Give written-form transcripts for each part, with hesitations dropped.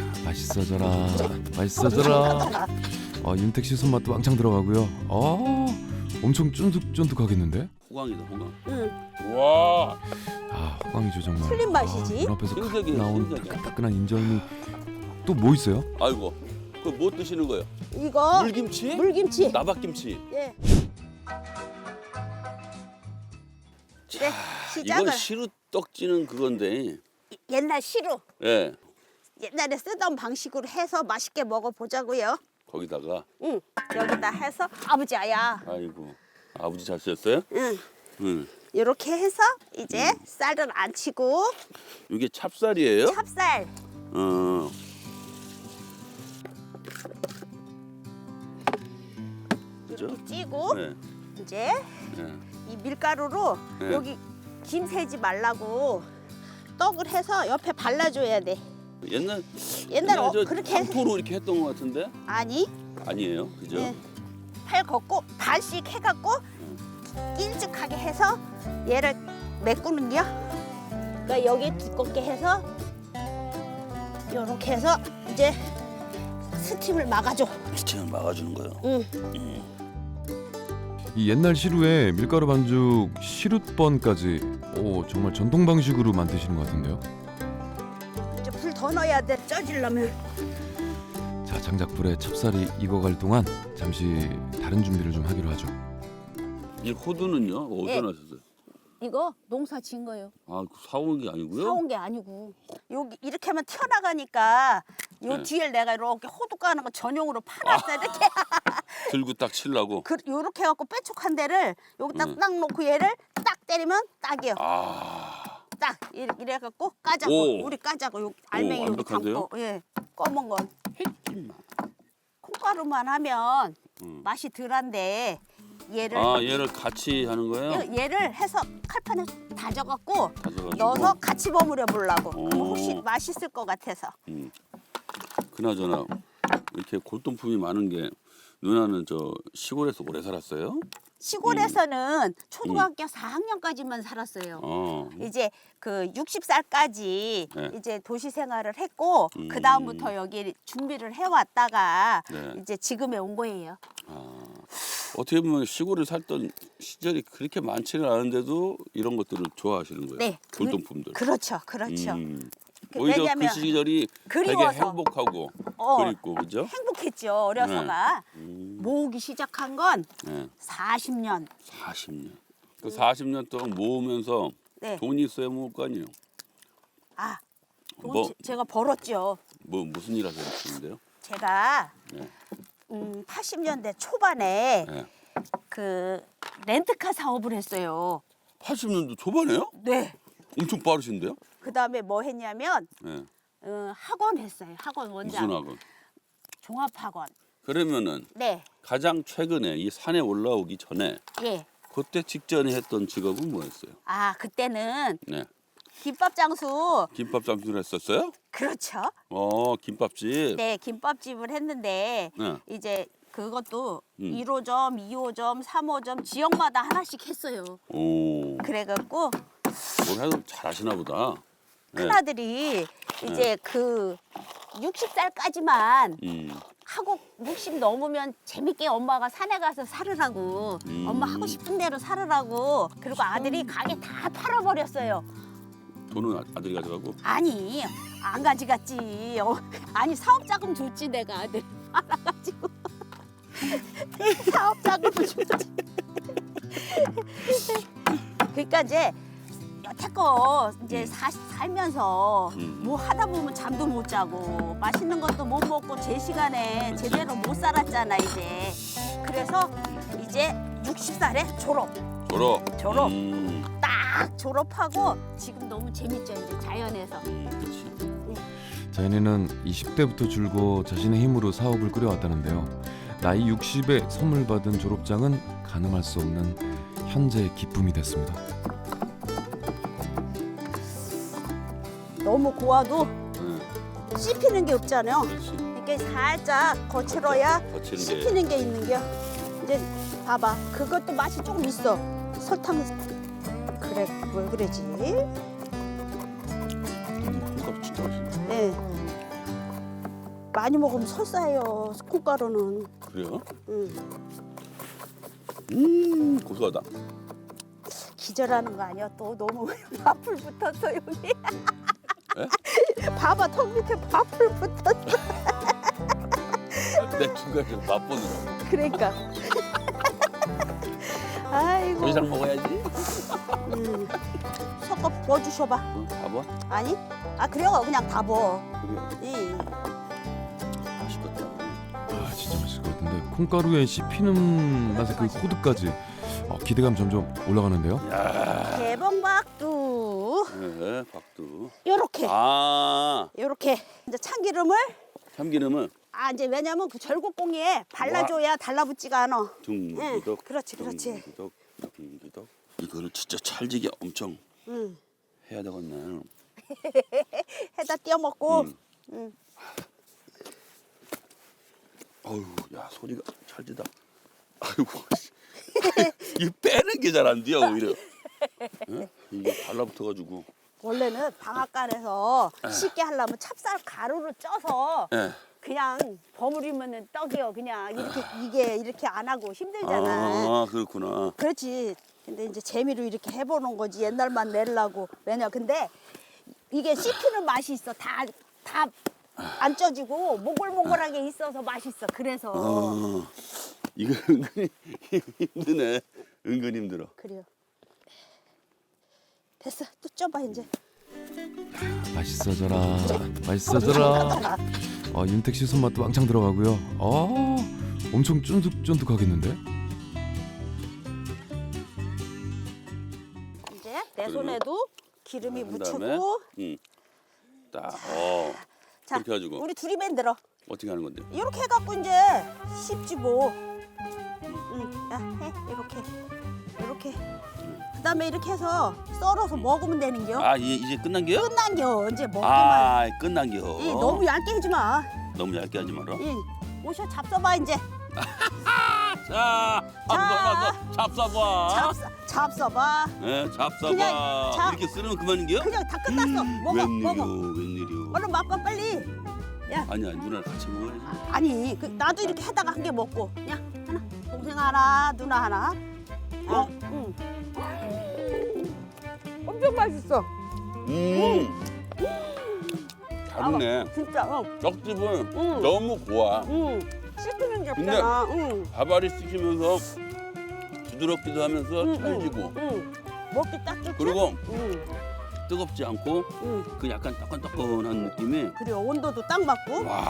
맛있어져라. 맛있어져라. 윤택 씨 손맛도 왕창 들어가고요. 엄청 쫀득쫀득하겠는데? 호강이다 호강. 응. 와. 호강이죠 정말. 틀린 맛이지. 눈앞에서 칵 신세계, 나온 신세계. 따끈따끈한 인절미. 또 뭐 있어요? 아이고. 그 뭐 드시는 거예요? 이거 물김치? 물김치. 나박김치. 예. 자, 네, 시작을. 이건 시루 떡지는 그건데. 옛날 시루. 예. 옛날에 쓰던 방식으로 해서 맛있게 먹어보자고요. 거기다가 응. 여기다 해서 아버지 아야. 아이고. 아버지 잘 쓰셨어요? 응. 응. 이렇게 해서 이제 쌀을 안 치고 이게 찹쌀이에요? 찹쌀. 어. 그죠? 이렇게 찌고 네. 이제 네. 이 밀가루로 네. 여기 김 새지 말라고 떡을 해서 옆에 발라줘야 돼. 옛날 저 그렇게 황토로 이렇게 했던 것 같은데? 아니 아니에요, 그죠? 네. 팔 걷고 반씩 해갖고 길쭉하게 해서 얘를 메꾸는겨. 그러니까 여기 두껍게 해서 이렇게 해서 이제 스팀을 막아줘. 스팀을 막아주는 거예요. 응. 이 옛날 시루에 밀가루 반죽 시루번까지 정말 전통 방식으로 만드시는 것 같은데요. 이제 불 더 넣어야 돼. 쪄지려면. 자, 장작불에 찹쌀이 익어갈 동안 잠시 다른 준비를 좀 하기로 하죠. 이 호두는요? 어디서 예. 나셨어요? 이거 농사 지은 거예요. 아, 사온 게 아니고요? 사온 게 아니고 여기 이렇게 하면 튀어나가니까 요 네. 뒤에 내가 이렇게 호두 까는 거 전용으로 팔았어. 이렇게 들고 딱 치려고. 요렇게 해갖고 빼촉한 데를 여기다 딱 놓고 얘를 딱 때리면 딱이요. 아, 딱 이래갖고 까자고. 오. 우리 까자고. 여기 알맹이 여기 완벽한데요? 담고. 예, 검은 건 콩가루만 하면 맛이 덜한데 얘를 얘를 같이 하는 거예요? 얘를 해서 칼판에 다져갖고 다져가지고? 넣어서 같이 버무려 보려고. 오. 그럼 혹시 맛있을 것 같아서. 그나저나 이렇게 골동품이 많은 게 누나는 저 시골에서 오래 살았어요? 시골에서는 초등학교 4학년까지만 살았어요. 이제 그 60살까지 네. 이제 도시 생활을 했고 그 다음부터 여기 준비를 해왔다가 네. 이제 지금에 온 거예요. 어떻게 보면 시골에 살던 시절이 그렇게 많지는 않은데도 이런 것들을 좋아하시는 거예요? 네, 골동품들. 그렇죠, 그렇죠. 오히려 왜냐면 그 시절이 되게 그리워서. 행복하고 그립고 그죠? 행복했죠. 어려서가 모으기 시작한 건 네. 40년. 40년. 그 40년 동안 모으면서 네. 돈이 있어야 모을 거 아니에요? 돈 뭐? 제가 벌었죠. 무슨 일 하셨는데요? 제가 네. 80년대 초반에 네. 그 렌트카 사업을 했어요. 80년도 초반에요? 네. 엄청 빠르신데요? 그 다음에 뭐 했냐면 네. 학원 했어요. 학원 원장. 무슨 학원? 종합학원. 그러면은 네. 가장 최근에 이 산에 올라오기 전에 예. 그때 직전에 했던 직업은 뭐였어요? 그때는 네. 김밥 장수. 김밥 장수를 했었어요? 그렇죠. 김밥집. 네, 김밥집을 했는데 네. 이제 그것도 1호점, 2호점, 3호점 지역마다 하나씩 했어요. 오. 그래갖고 뭘 해도 잘하시나 보다. 네. 큰아들이 이제 그 60살까지만 하고 60 넘으면 재밌게 엄마가 산에 가서 살으라고 엄마 하고 싶은 대로 살으라고 그리고 아들이 가게 다 팔아버렸어요. 돈은 아들이 가져가고. 아니 안 가져갔지. 아니 사업자금 줬지 내가 아들 알아가지고 사업자금을 줬지. 그러니까 이제 여태껏 이제 살면서 뭐 하다 보면 잠도 못 자고 맛있는 것도 못 먹고 제 시간에 제대로 못 살았잖아 이제. 그래서 이제 60살에 졸업. 졸업. 딱 졸업하고 지금 너무 재밌죠 이제 자연에서. 그렇지. 자연이는 20대부터 줄곧 자신의 힘으로 사업을 꾸려왔다는데요. 나이 60에 선물 받은 졸업장은 가늠할 수 없는 현재의 기쁨이 됐습니다. 너무 고와도 네. 씹히는 게 없잖아요. 그렇지. 이렇게 살짝 거칠어야 거치는 게. 씹히는 게 있는 게. 이제 봐봐. 그것도 맛이 조금 있어. 설탕. 그래, 왜 그러지? 김밥 진짜 맛있네. 네. 많이 먹으면 설사해요. 콩가루는. 그래요? 고소하다. 기절하는 거 아니야? 또 너무 밥풀 붙었어 여기. 에? 봐봐 턱 밑에 밥풀 붙었어. 내 중간에 맛보느라고. 그러니까. 아이고. 더 이상 먹어야지. 섞어 부어주셔봐. 다 봐. 아니? 아 그래요? 그냥 다 부어. 그래. 맛있겠다. 아 진짜 맛있을 것 같은데 콩가루에 씹히는 맛의 그 코드까지 기대감 점점 올라가는데요. 야. 대봉박두. 네, 박두. 요렇게. 아, 요렇게 이제 참기름을 참기름은 이제 왜냐면 그 절곡공이에 발라줘야 달라붙지가 않아. 둥기덕. 그렇지. 둥기덕. 둥기덕. 이거를 진짜 찰지게 엄청 응. 해야 되겠네. 해다 띄워 먹고. 어우, 야 소리가 찰지다. 아이고, 이 빼는 게 잘 안 돼요 오히려. 예? 이게 달라붙어가지고. 원래는 방앗간에서 쉽게 하려면 찹쌀 가루를 쪄서 예. 그냥 버무리면은 떡이요. 그냥 이게 이렇게 안 하고 힘들잖아. 아, 그렇구나. 그렇지. 근데 이제 재미로 이렇게 해보는 거지. 옛날만 내려고. 왜냐? 근데 이게 씹히는 맛이 있어. 다 안 쪄지고 몽글몽글하게 있어서 맛있어. 그래서 이거 은근히 힘드네. 은근 힘들어. 그래요. 됐어. 또 쪄봐 이제. 맛있어져라. 맛있어져라. 윤택 씨 손맛도 왕창 들어가고요. 엄청 쫀득쫀득하겠는데? 이제 내 손에도 기름이 한 다음에 묻히고. 딱. 자, 이렇게 해가지고. 우리 둘이 만들어. 어떻게 하는 건데? 이렇게 해갖고 이제 씹지 뭐. 야, 해 이렇게. 그다음에 이렇게 해서 썰어서 먹으면 되는겨. 아, 이제 끝난 게요? 끝난겨. 이제 먹기만. 아, 끝난 겨. 너무 얇게 하지 마. 너무 얇게 하지 마라. 오셔 잡숴봐 이제. 자, 잡숴봐. 잡숴봐. 네, 잡숴봐. 그냥 잡- 이렇게 쓰면 그만인게요? 그냥 다 끝났어. 먹어. 웬일이요? 얼른 맛봐 빨리. 야, 아니야, 누나랑 같이 먹어야지. 아니 나도 이렇게 하다가 한 개 먹고. 야, 하나. 동생 하나, 누나 하나. 응. 엄청 맛있어. 다르네. 진짜. 떡집은 응. 너무 고와. 씹히는 게 없잖아. 밥알이 씹히면서 부드럽기도 하면서 찰지고 먹기 딱 좋지. 그리고 응. 뜨겁지 않고 그 약간 따끈따끈한 느낌이. 그래 온도도 딱 맞고. 와.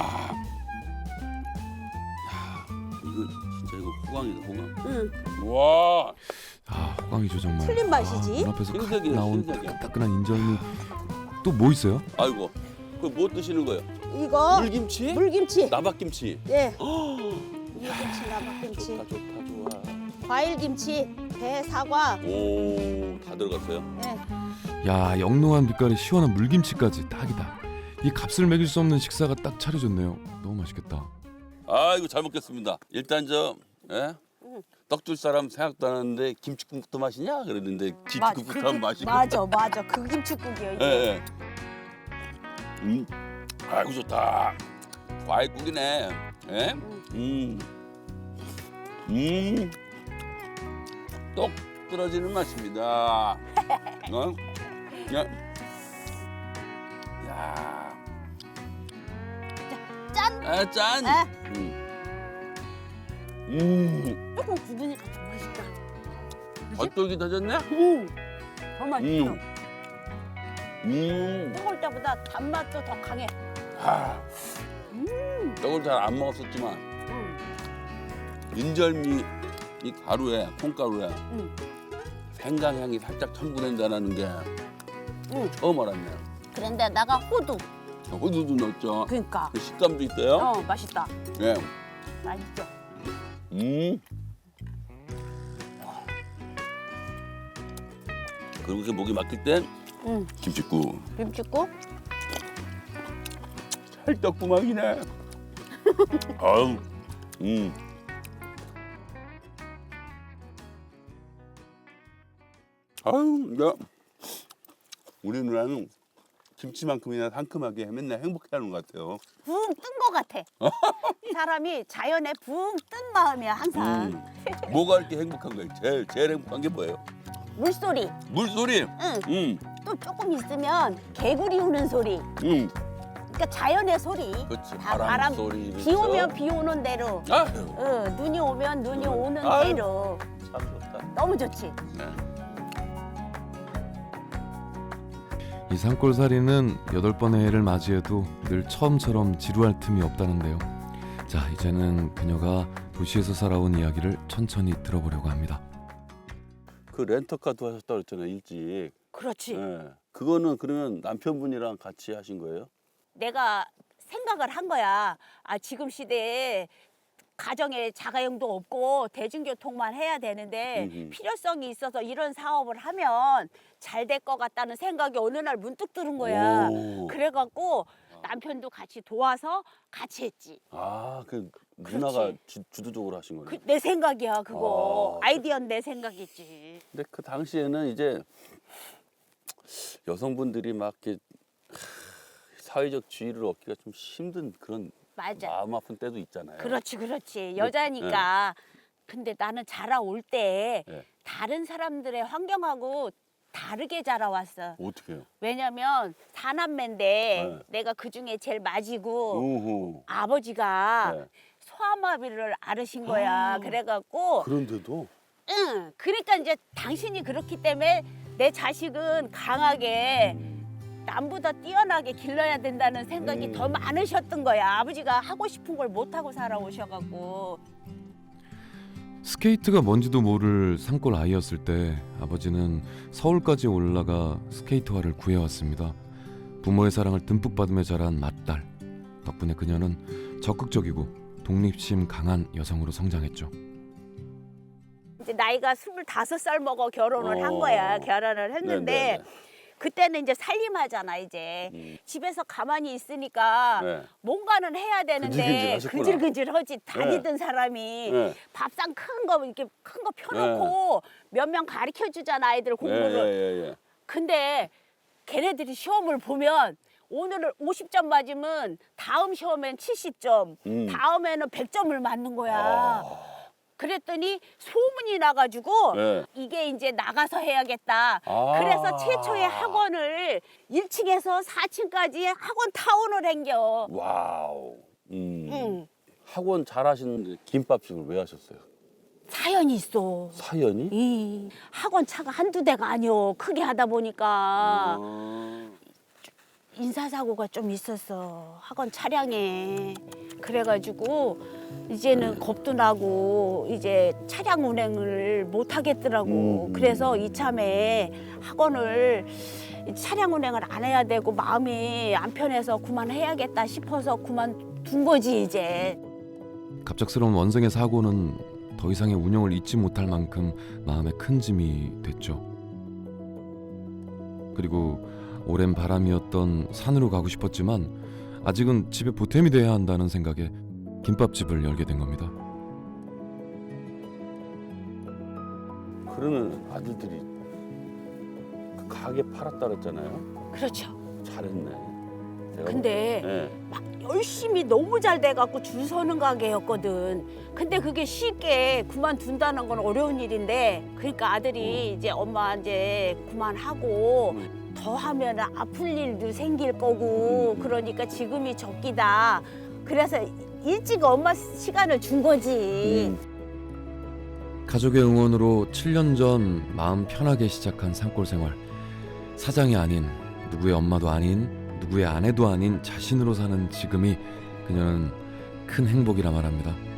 야, 이거 호강이다, 호강. 응. 와. 호강이죠 정말. 틀린 맛이지. 눈앞에서 칵 신세계야, 나온 신세계. 따끈따끈한 인절미. 또 뭐 있어요? 아이고. 그 뭐 드시는 거예요? 이거 물김치? 물김치. 나박김치. 예. 물김치, 나박김치, 좋다. 과일김치, 배, 사과. 오, 다 들어갔어요. 예. 야 영롱한 빛깔의 시원한 물김치까지 딱이다. 이 값을 매길 수 없는 식사가 딱 차려졌네요. 너무 맛있겠다. 아이고 잘 먹겠습니다. 일단 떡 줄 사람 생각도 안 하는데 김치국도 마시냐 그랬는데 김치국부터 하면 마시고. 맞아. 그 김치국이요. 이게. 예. 아이고 좋다. 과일국이네. 예? 떡 떨어지는 맛입니다. 야. 짠. 아, 짠. 조금 굳으니까 더 맛있다. 겉돌기 다졌네? 더 맛있어. 음. 뜨거울 때보다 단맛도 더 강해. 떡을 잘 안 먹었었지만 인절미 이 가루에 콩가루에 생강향이 살짝 첨부된다는 게 처음 알았네요. 그런데다가 호두. 호두도 넣었죠. 그러니까. 그 식감도 있어요. 맛있다. 예. 맛있죠. 그리고 이렇게 목이 막힐 땐 김치국. 김치국. 찰떡구멍이네. 아우. 아유, 야. 우리 누나는 김치만큼이나 상큼하게 맨날 행복해하는 것 같아요. 붕 뜬 것 같아. 사람이 자연에 붕 뜬 마음이야 항상. 뭐가 이렇게 행복한 거예요? 제일 행복한 게 뭐예요? 물소리. 물소리. 또 조금 있으면 개구리 우는 소리. 그러니까 자연의 소리. 그렇지. 다 바람 소리. 비 오면 비 오는 대로. 아유, 눈이 오면 눈이 오는 아유. 대로. 참 좋다. 너무 좋지. 네. 이 산골살이는 8번의 해를 맞이해도 늘 처음처럼 지루할 틈이 없다는데요. 자, 이제는 그녀가 도시에서 살아온 이야기를 천천히 들어보려고 합니다. 그 렌터카도 하셨다 그랬잖아요, 일찍. 그렇지. 네. 그거는 그러면 남편분이랑 같이 하신 거예요? 내가 생각을 한 거야. 지금 시대에 가정에 자가용도 없고 대중교통만 해야 되는데 필요성이 있어서 이런 사업을 하면 잘 될 것 같다는 생각이 어느 날 문득 들은 거야. 오. 그래갖고 남편도 같이 도와서 같이 했지. 그 누나가 그렇지. 주도적으로 하신 거예요? 내 생각이야 그거. 아. 아이디어는 내 생각이지. 근데 그 당시에는 이제 여성분들이 막 이렇게 사회적 지위를 얻기가 좀 힘든 그런 맞아. 마음 아픈 때도 있잖아요. 그렇지. 여자니까. 근데 나는 자라올 때 네. 다른 사람들의 환경하고 다르게 자라왔어. 어떻게 해요? 왜냐면 사남매인데 네. 내가 그중에 제일 맞이고 오호. 아버지가 네. 소아마비를 앓으신 거야. 그래갖고 그런데도 그러니까 이제 당신이 그렇기 때문에 내 자식은 강하게 남보다 뛰어나게 길러야 된다는 생각이 더 많으셨던 거야. 아버지가 하고 싶은 걸 못하고 살아오셔갖고. 스케이트가 뭔지도 모를 산골 아이였을 때 아버지는 서울까지 올라가 스케이트화를 구해왔습니다. 부모의 사랑을 듬뿍 받으며 자란 맏딸. 덕분에 그녀는 적극적이고 독립심 강한 여성으로 성장했죠. 이제 나이가 25살 먹어 결혼을 한 거야. 결혼을 했는데 네네네. 그때는 이제 살림하잖아 이제. 집에서 가만히 있으니까 네. 뭔가는 해야 되는데 근질근질하셨구나. 근질근질하지. 다니던 사람이 네. 밥상 큰 거 이렇게 큰 거 펴놓고 몇 명 가르쳐 주잖아 아이들 공부를. 예. 근데 걔네들이 시험을 보면 오늘은 50점 맞으면 다음 시험엔 70점, 다음에는 100점을 맞는 거야. 그랬더니 소문이 나가지고 네. 이게 이제 나가서 해야겠다. 그래서 최초의 학원을 1층에서 4층까지 학원 타운을 댕겨. 와우. 학원 잘하시는데 김밥집을 왜 하셨어요? 사연이 있어. 사연이? 이 학원 차가 한두 대가 아니오. 크게 하다 보니까 인사사고가 좀 있었어. 학원 차량에. 그래가지고 이제는 겁도 나고 이제 차량 운행을 못 하겠더라고. 그래서 이참에 학원을 차량 운행을 안 해야 되고 마음이 안 편해서 그만해야겠다 싶어서 그만둔 거지 이제. 갑작스러운 원생의 사고는 더 이상의 운영을 잊지 못할 만큼 마음에 큰 짐이 됐죠. 그리고 오랜 바람이었던 산으로 가고 싶었지만 아직은 집에 보탬이 돼야 한다는 생각에 김밥집을 열게 된 겁니다. 그러면 아들들이 그 가게 팔았다 그랬잖아요. 그렇죠. 잘했네. 근데 네. 막 열심히 너무 잘 돼갖고 줄 서는 가게였거든. 근데 그게 쉽게 그만둔다는 건 어려운 일인데, 그러니까 아들이 이제 엄마 이제 그만하고 더 하면 아플 일도 생길 거고, 그러니까 지금이 적기다. 그래서 일찍 엄마 시간을 준 거지. 가족의 응원으로 7년 전 마음 편하게 시작한 산골 생활. 사장이 아닌, 누구의 엄마도 아닌, 누구의 아내도 아닌 자신으로 사는 지금이 그녀는 큰 행복이라 말합니다.